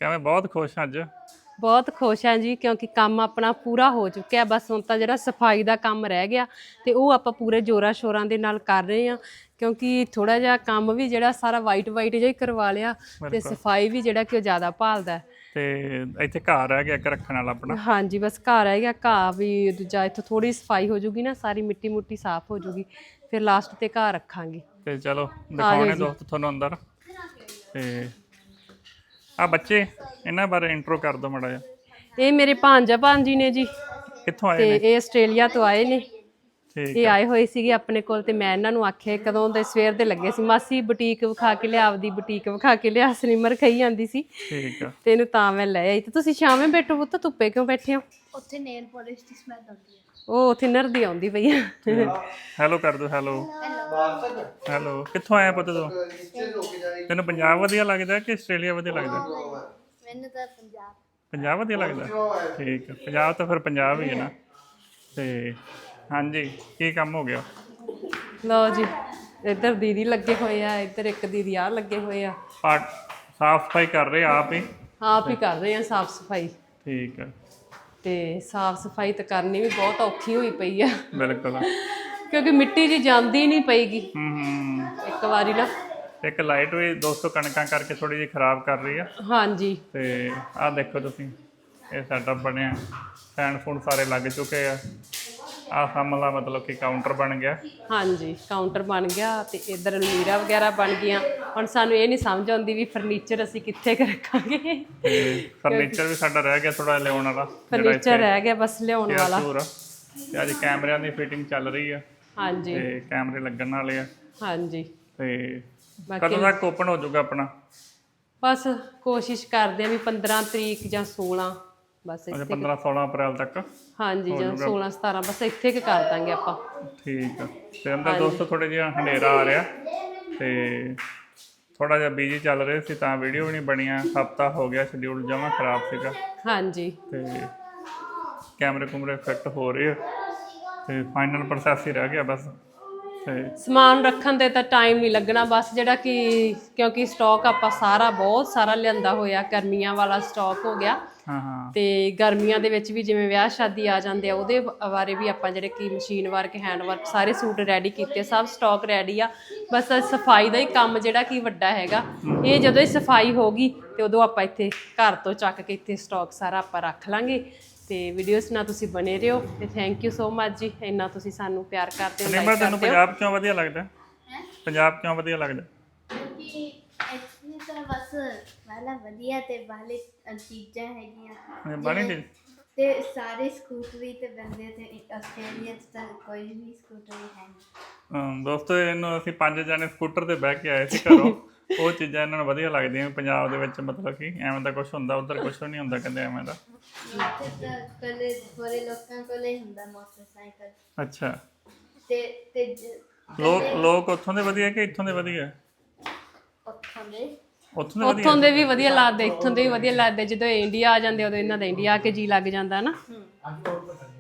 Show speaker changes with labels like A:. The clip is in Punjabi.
A: ਕਿਵੇਂ ਬਹੁਤ ਖੁਸ਼ ਹਾਂ ਅੱਜ।
B: ਬਹੁਤ ਖੁਸ਼ ਹਾਂ ਜੀ ਕਿਉਂਕਿ ਕੰਮ ਆਪਣਾ ਪੂਰਾ ਹੋ ਚੁੱਕਿਆ। ਬਸ ਹੁਣ ਤਾਂ ਜਿਹੜਾ ਸਫਾਈ ਦਾ ਕੰਮ ਰਹਿ ਗਿਆ ਤੇ ਉਹ ਆਪਾਂ ਪੂਰੇ ਜੋਰਾਂ ਸ਼ੋਰਾਂ ਦੇ ਨਾਲ ਕਰ ਰਹੇ ਹਾਂ ਕਿਉਂਕਿ ਥੋੜਾ ਜਿਹਾ ਕੰਮ ਵੀ ਜਿਹੜਾ ਸਾਰਾ ਵਾਈਟ ਜਿਹਾ ਹੀ ਕਰਵਾ ਲਿਆ ਤੇ ਸਫਾਈ ਵੀ ਜਿਹੜਾ ਕਿ ਉਹ ਜ਼ਿਆਦਾ ਭਾਲਦਾ
A: ਤੇ ਇੱਥੇ ਘਰ ਰਹਿ ਗਿਆ ਇੱਕ ਰੱਖਣ ਵਾਲਾ ਆਪਣਾ।
B: ਹਾਂਜੀ ਬਸ ਘਰ ਰਹਿ ਗਿਆ। ਘਾਹ ਵੀ ਦੂਜਾ ਇੱਥੋਂ ਥੋੜੀ ਸਫਾਈ ਹੋ ਜੂਗੀ ਨਾ, ਸਾਰੀ ਮਿੱਟੀ ਮੁੱਟੀ ਸਾਫ਼ ਹੋ ਜੂਗੀ, ਫਿਰ ਲਾਸਟ ਤੇ ਘਾਹ ਰੱਖਾਂਗੇ।
A: ਤੇ ਚਲੋ ਦਿਖਾਉਣੇ ਦੋਸਤ ਤੁਹਾਨੂੰ ਅੰਦਰ। ਤੇ ਆ ਬੱਚੇ ਇਹਨਾਂ ਬਾਰੇ ਇੰਟਰੋ ਕਰ ਦਿਓ ਮਾੜਾ ਜਿਹਾ।
B: ਇਹ ਮੇਰੇ ਭਾਂਜਾ ਭਾਂਜੀ ਨੇ ਜੀ।
A: ਕਿੱਥੋਂ ਆਏ
B: ਤੇ
A: ਨੇ?
B: ਇਹ ਆਸਟ੍ਰੇਲੀਆ ਤੋਂ ਆਏ ਨੇ।
A: ਠੀਕ
B: ਇਹ ਆਏ ਹੋਏ ਸੀਗੇ ਆਪਣੇ ਕੋਲ ਤੇ ਮੈਂ ਇਹਨਾਂ ਨੂੰ ਆਖਿਆ ਕਦੋਂ ਦੇ ਸਵੇਰ ਦੇ ਲੱਗੇ ਸੀ, ਮਾਸੀ ਬੁਟੀਕ ਵਿਖਾ ਕੇ ਲਿਆ, ਆਪਦੀ ਬੁਟੀਕ ਵਿਖਾ ਕੇ ਲਿਆ। ਸਨੀਮਰ ਖਾਈ ਜਾਂਦੀ ਸੀ
A: ਠੀਕ ਆ।
B: ਤੇ ਇਹਨੂੰ ਤਾਂ ਮੈਂ ਲੈ ਆਈ। ਤੇ ਤੁਸੀਂ ਸ਼ਾਮੇ ਬੈਠੋ ਪੁੱਤ, ਧੁੱਪੇ ਕਿਉਂ ਬੈਠੇ ਹੋ?
C: ਉੱਥੇ ਨੇਲ ਪਾਲਿਸ਼ ਦੀ ਸਮੈਲ ਆਉਂਦੀ ਹੈ।
B: ਉਹ ਥਿਨਰ ਦੀ ਆਉਂਦੀ ਪਈ ਆ।
A: ਹੈਲੋ ਕਰ ਦਿਓ। Hello hello. ਕਿੱਥੋਂ ਆਇਆ ਪੁੱਤ ਤੂੰ? ਤੈਨੂੰ ਪੰਜਾਬ ਵਧੀਆ ਲੱਗਦਾ ਕਿ ਆਸਟ੍ਰੇਲੀਆ ਵਧੀਆ ਲੱਗਦਾ?
C: ਮੈਨੂੰ ਤਾਂ ਪੰਜਾਬ
A: ਪੰਜਾਬ ਵਧੀਆ ਲੱਗਦਾ। ਠੀਕ ਆ। ਪੰਜਾਬ ਤਾਂ ਫਿਰ ਪੰਜਾਬ ਹੀ ਹੈ ਨਾ। ਤੇ ਹਾਂਜੀ ਕੀ ਕੰਮ ਹੋ ਗਿਆ?
B: ਲਓ ਜੀ ਇੱਧਰ ਦੀਦੀ ਲੱਗੇ ਹੋਏ ਆ, ਇੱਧਰ ਇੱਕ ਦੀਦੀ ਆ ਲੱਗੇ ਹੋਏ ਆ।
A: ਸਾਫ ਸਫਾਈ ਕਰ ਰਹੇ ਆਪ ਹੀ?
B: ਆਪ ਹੀ ਕਰ ਰਹੇ ਆ ਸਾਫ ਸਫਾਈ।
A: ਠੀਕ ਆ।
B: ਤੇ ਸਾਫ ਸਫਾਈ ਤਾਂ ਕਰਨੀ ਵੀ ਬਹੁਤ ਔਖੀ ਹੋਈ ਪਈ ਆ
A: ਬਿਲਕੁਲ।
B: ਕਿਉਂਕਿ ਮਿੱਟੀ ਜੀ ਜਾਂਦੀ ਨਹੀਂ ਪਈਗੀ ਇੱਕ ਵਾਰੀ ਨਾ।
A: ਇੱਕ ਲਾਈਟ ਵੀ ਦੋਸਤੋ ਕਣਕਾਂ ਕਰਕੇ ਥੋੜੀ ਜਿਹੀ ਖਰਾਬ ਕਰ ਰਹੀ ਆ।
B: ਹਾਂਜੀ।
A: ਤੇ ਆਹ ਦੇਖੋ ਤੁਸੀਂ, ਇਹ ਸੈਟਅਪ ਬਣਿਆ, ਫੈਨ ਫੂਨ ਸਾਰੇ ਲੱਗ ਚੁੱਕੇ ਆ। ਆਹ ਸਾਹਮਣਾ ਮਤਲਬ ਕਿ ਕਾਊਂਟਰ ਬਣ ਗਿਆ।
B: ਹਾਂਜੀ ਕਾਊਂਟਰ ਬਣ ਗਿਆ ਤੇ ਇੱਧਰ ਅਲਮੀਰਾ ਵਗੈਰਾ ਬਣ ਗਈਆਂ। ਹੁਣ ਸਾਨੂੰ ਇਹ ਨਹੀਂ ਸਮਝ ਆਉਂਦੀ ਵੀ ਫਰਨੀਚਰ ਅਸੀਂ ਕਿੱਥੇ ਕੁ ਰੱਖਾਂਗੇ।
A: ਤੇ ਫਰਨੀਚਰ ਵੀ ਸਾਡਾ ਰਹਿ ਗਿਆ ਥੋੜਾ ਲਿਆਉਣ ਵਾਲਾ।
B: ਫਰਨੀਚਰ ਰਹਿ ਗਿਆ ਬਸ ਲਿਆਉਣ ਵਾਲਾ।
A: ਤੇ ਅੱਜ ਕੈਮਰਿਆਂ ਦੀ ਫਿਟਿੰਗ ਚੱਲ ਰਹੀ ਆ।
B: ਹਾਂਜੀ
A: ਤੇ ਕੈਮਰੇ ਲੱਗਣ ਵਾਲੇ ਆ।
B: ਹਾਂਜੀ।
A: ਤੇ ਕਦੋਂ ਤੱਕ ਓਪਨ ਹੋ ਜਾਊਗਾ ਆਪਣਾ?
B: ਬਸ ਕੋਸ਼ਿਸ਼ ਕਰਦੇ ਆ ਵੀ 15 ਤਰੀਕ ਜਾਂ 16 ਬਸ।
A: 15-16 ਅਪ੍ਰੈਲ ਤੱਕ।
B: ਹਾਂਜੀ ਜਾਂ 16-17 ਬਸ ਇੱਥੇ ਕਿ ਕਰ ਦਾਂਗੇ ਆਪਾਂ।
A: ਠੀਕ ਆ। ਤੇ ਅੰਦਰ ਦੋਸਤੋ ਥੋੜਾ ਜਿਹਾ ਹਨੇਰਾ ਆ ਰਿਹਾ ਤੇ ਥੋੜਾ ਜਿਹਾ ਬਿਜੀ ਚੱਲ ਰਹੇ ਸੀ ਤਾਂ ਵੀਡੀਓ ਵੀ ਨਹੀਂ ਬਣੀਆਂ। ਹਫਤਾ ਹੋ ਗਿਆ, ਸ਼ਡਿਊਲ ਜਮਾਂ ਖਰਾਬ ਸੀਗਾ।
B: ਹਾਂਜੀ।
A: ਤੇ ਕੈਮਰੇ ਕੁਮਰੇ ਫਿੱਟ ਹੋ ਰਹੇ ਆ ਤੇ ਫਾਈਨਲ ਪ੍ਰੋਸੈਸ ਹੀ ਰਹਿ ਗਿਆ ਬਸ। ਤੇ
B: ਸਮਾਨ ਰੱਖਣ ਤੇ ਤਾਂ ਟਾਈਮ ਨਹੀਂ ਲੱਗਣਾ ਬਸ, ਜਿਹੜਾ ਕਿ ਕਿਉਂਕਿ ਸਟਾਕ ਆਪਾਂ ਸਾਰਾ ਬਹੁਤ ਸਾਰਾ ਲਿਆਂਦਾ ਹੋਇਆ, ਗਰਮੀਆਂ ਵਾਲਾ ਸਟਾਕ ਹੋ ਗਿਆ। ਤੇ ਗਰਮੀਆਂ ਦੇ ਵਿੱਚ ਵੀ ਜਿਵੇਂ ਵਿਆਹ ਸ਼ਾਦੀ ਆ ਜਾਂਦੇ ਆ ਉਹਦੇ ਬਾਰੇ ਵੀ ਆਪਾਂ ਜਿਹੜੇ ਕਿ ਮਸ਼ੀਨ ਵਰਕ, ਹੈਂਡ ਵਰਕ ਸਾਰੇ ਸੂਟ ਰੈਡੀ ਕੀਤੇ, ਸਭ ਸਟਾਕ ਰੈਡੀ ਆ। ਬਸ ਸਫਾਈ ਦਾ ਹੀ ਕੰਮ ਜਿਹੜਾ ਕਿ ਵੱਡਾ ਹੈਗਾ। ਇਹ ਜਦੋਂ ਹੀ ਸਫਾਈ ਹੋ ਗਈ ਤੇ ਉਦੋਂ ਆਪਾਂ ਇੱਥੇ ਘਰ ਤੋਂ ਚੱਕ ਕੇ ਇੱਥੇ ਸਟਾਕ ਸਾਰਾ ਆਪਾਂ ਰੱਖ ਲਾਂਗੇ। ਤੇ ਵੀਡੀਓਜ਼ ਨਾਲ ਤੁਸੀਂ ਬਣੇ ਰਹੋ ਤੇ ਥੈਂਕ ਯੂ ਸੋ ਮਚ ਜੀ, ਇੰਨਾ ਤੁਸੀਂ ਸਾਨੂੰ ਪਿਆਰ ਕਰਦੇ ਹੋ।
A: ਤੈਨੂੰ ਪੰਜਾਬ ਕਿਉਂ ਵਧੀਆ ਲੱਗਦਾ? ਪੰਜਾਬ ਕਿਉਂ ਵਧੀਆ ਲੱਗਦਾ?
C: ਕਿਉਂਕਿ ਇੱਥੇ ਤਾਂ ਬਸ ਵਾਲਾ ਵਧੀਆ ਤੇ ਵਾਲੇ ਚੀਜ਼ਾਂ ਹੈਗੀਆਂ
A: ਬਾਣੀ
C: ਤੇ ਸਾਰੇ ਸਕੂਟਰੀ ਤੇ ਬੰਦੇ ਤੇ ਆਸਟ੍ਰੇਲੀਆ 'ਚ ਤਾਂ ਕੋਈ ਵੀ ਸਕੂਟਰੀ ਹੈ ਨਹੀਂ।
A: ਦੋਸਤੋ ਇਹਨੂੰ ਅਸੀਂ 5 ਜਣੇ ਸਕੂਟਰ ਤੇ ਬਹਿ ਕੇ ਆਏ ਸੀ ਘਰੋਂ। ਉਹ ਚੀਜ਼ਾਂ ਇਹਨਾਂ ਨੂੰ ਵਧੀਆ ਲੱਗਦੀਆਂ। ਪੰਜਾਬ ਦੇ ਵਿੱਚ ਮਤਲਬ ਕਿ ਐਵੇਂ ਦਾ ਕੁਛ ਹੁੰਦਾ, ਉੱਧਰ ਕੁਛ ਨਹੀਂ ਹੁੰਦਾ ਕਹਿੰਦੇ ਐਵੇਂ ਦਾ।
C: ਇੱਥੇ ਤਾਂ ਕੋਲੇ ਥੋੜੇ ਲੋਕਾਂ ਕੋਲੇ ਹੁੰਦਾ ਮੋਟਰਸਾਈਕਲ।
A: ਅੱਛਾ।
C: ਤੇ
A: ਲੋਕ ਉੱਥੋਂ ਦੇ ਵਧੀਆ ਕਿ ਇੱਥੋਂ ਦੇ ਵਧੀਆ?
B: ਉੱਥੋਂ ਦੇ ਵੀ ਵਧੀਆ ਲੱਗਦੇ, ਇੱਥੋਂ ਦੇ ਵੀ ਵਧੀਆ ਲੱਗਦੇ। ਜਦੋਂ ਇੰਡੀਆ ਆ ਜਾਂਦੇ ਉਦੋਂ ਇਹਨਾਂ ਦਾ ਇੰਡੀਆ ਆ ਕੇ ਜੀ ਲੱਗ ਜਾਂਦਾ ਨਾ।